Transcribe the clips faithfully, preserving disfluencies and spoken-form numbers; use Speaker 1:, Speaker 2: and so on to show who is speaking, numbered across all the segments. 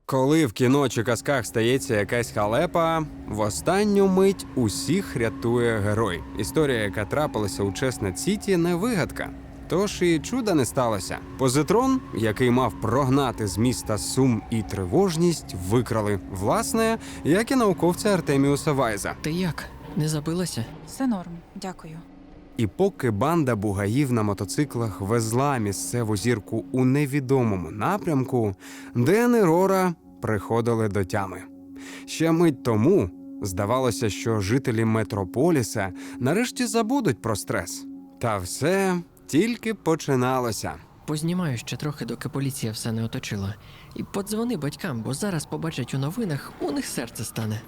Speaker 1: Коли в кіно чи казках стається якась халепа, в останню мить усіх рятує герой. Історія, яка трапилася у Чеснет-Сіті, не вигадка. Тож і чуда не сталося. Позитрон, який мав прогнати з міста сум і тривожність, викрали. Власне, як і науковця Артеміуса Вайза.
Speaker 2: Ти як? Не забилася?
Speaker 3: Все норм, дякую.
Speaker 1: І поки банда бугаїв на мотоциклах везла місцеву зірку у невідомому напрямку, Ден і Рора приходили до тями. Ще мить тому здавалося, що жителі Метрополіса нарешті забудуть про стрес. Та все тільки починалося.
Speaker 2: Познімаю ще трохи, доки поліція все не оточила. І подзвони батькам, бо зараз побачать у новинах, у них серце стане.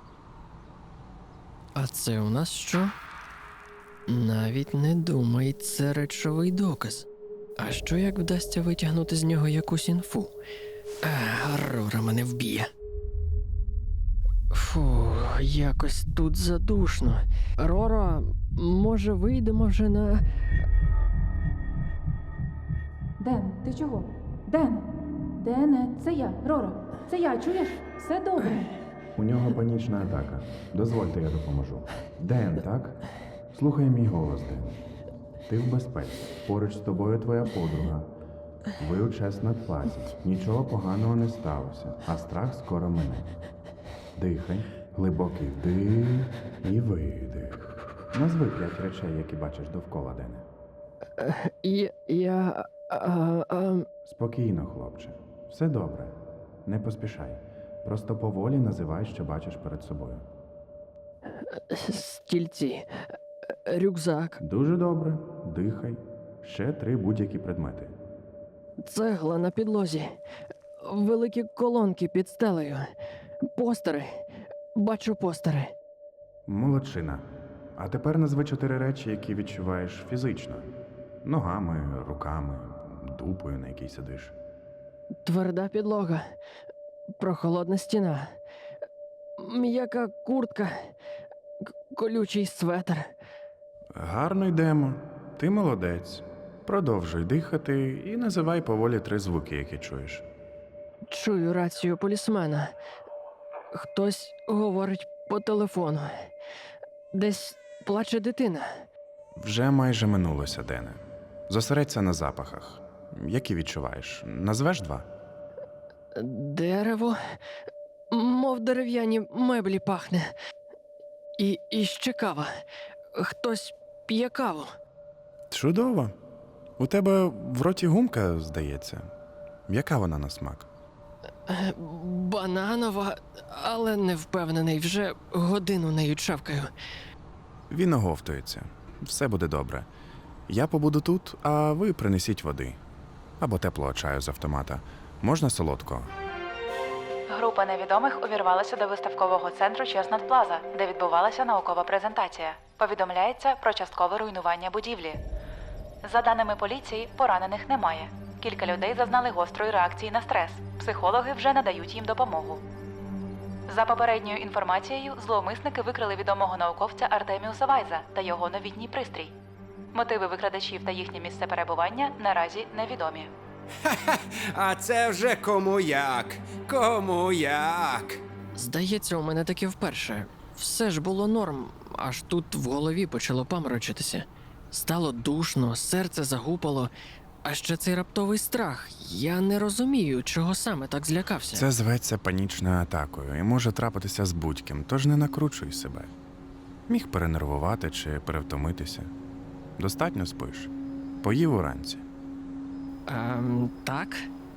Speaker 2: А це у нас що? Навіть не думай, це речовий доказ. А що як вдасться витягнути з нього якусь інфу? А, Рора мене вб'є. Фу, якось тут задушно. Роро, може вийдемо вже на...
Speaker 4: Ден, ти чого? Ден! Дене, це я, Рора. Це я, чуєш? Все добре.
Speaker 5: У нього панічна атака. Дозвольте, я допоможу. Ден, так? Слухай мій голос, Ден. Ти в безпеці. Поруч з тобою твоя подруга. Ви у Чеснет-Плазі. Нічого поганого не сталося, а страх скоро мине. Дихай, глибокий вдих і видих. Назви п'ять речей, які бачиш довкола, Дене.
Speaker 2: Я... я... А, а,
Speaker 5: Спокійно, хлопче. Все добре. Не поспішай. Просто поволі називай, що бачиш перед собою.
Speaker 2: стільці, рюкзак,
Speaker 5: Дуже добре. Дихай. Ще три будь-які предмети.
Speaker 2: цегла на підлозі, великі колонки під стелею, постери. Бачу постери.
Speaker 5: Молодчина. А тепер назви чотири речі, які відчуваєш фізично. Ногами, руками, дупою, на якій сидиш.
Speaker 2: Тверда підлога, прохолодна стіна, м'яка куртка, к- колючий светр.
Speaker 5: Гарно йдемо. Ти молодець. Продовжуй дихати і називай поволі три звуки, які чуєш.
Speaker 2: Чую рацію полісмена. Хтось говорить по телефону. Десь плаче дитина.
Speaker 5: Вже майже минулося, Дене. Зосередься на запахах. Які відчуваєш? Назвеш два?
Speaker 2: Дерево, мов дерев'яні меблі пахне. І, і ще кава. Хтось п'є каву.
Speaker 5: Чудово. У тебе в роті гумка, здається. Яка вона на смак?
Speaker 2: Е, Бананова, але не впевнений, вже годину нею чавкаю.
Speaker 5: Він оговтується. Все буде добре. Я побуду тут, а ви принесіть води. Або теплого чаю з автомата. Можна солодкого?
Speaker 3: Група невідомих увірвалася до виставкового центру Чеснет-Плаза, де відбувалася наукова презентація. Повідомляється про часткове руйнування будівлі. За даними поліції, поранених немає. Кілька людей зазнали гострої реакції на стрес. Психологи вже надають їм допомогу. За попередньою інформацією, зловмисники викрили відомого науковця Артеміуса Вайза та його новітній пристрій. Мотиви викрадачів та їхнє місце перебування наразі невідомі.
Speaker 1: А це вже кому як, кому як.
Speaker 2: Здається, у мене таке вперше. Все ж було норм, аж тут в голові почало паморочитися. Стало душно, серце загупало, а ще цей раптовий страх. Я не розумію, чого саме так злякався.
Speaker 5: Це зветься панічною атакою і може трапитися з будь-ким, тож не накручуй себе. Міг перенервувати чи перевтомитися. Достатньо спиш. Поїв уранці.
Speaker 2: Ем, так.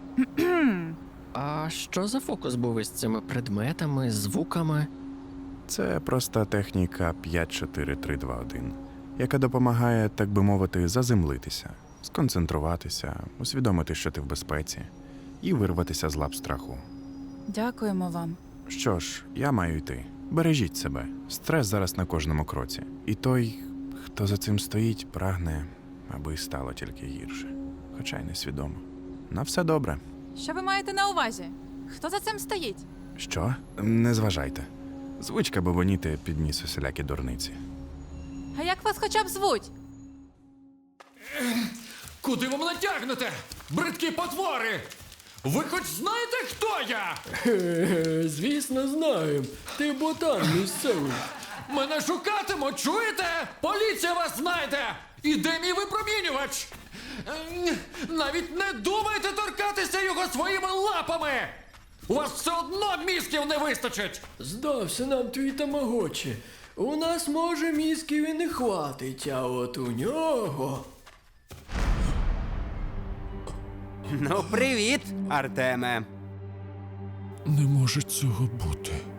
Speaker 2: А що за фокус був із цими предметами, звуками?
Speaker 5: Це проста техніка п'ять чотири три два один, яка допомагає, так би мовити, заземлитися, сконцентруватися, усвідомити, що ти в безпеці, і вирватися з лап страху.
Speaker 3: Дякуємо вам.
Speaker 5: Що ж, я маю йти. Бережіть себе. Стрес зараз на кожному кроці. І той, хто за цим стоїть, прагне, аби стало тільки гірше. Хоча й несвідомо. На все добре.
Speaker 6: Що ви маєте на увазі? Хто за цим стоїть?
Speaker 5: Що? Не зважайте. Звичка бабоніти підніс усілякі дурниці.
Speaker 6: А як вас хоча б звуть?
Speaker 7: Куди ви мене тягнете? Бридкі потвори! Ви хоч знаєте, хто я?
Speaker 2: Е, звісно, знаємо. Ти ботан місцевий.
Speaker 7: Мене шукатимуть, чуєте? Поліція вас знайде! І де мій випромінювач? Ем, Навіть не думайте торкатися його своїми лапами! У вас все одно мізків не вистачить!
Speaker 2: Здався нам твій тамагочі. У нас, може, мізків і не хватить, а от у нього.
Speaker 1: Ну, привіт, Артеме.
Speaker 7: Не може цього бути.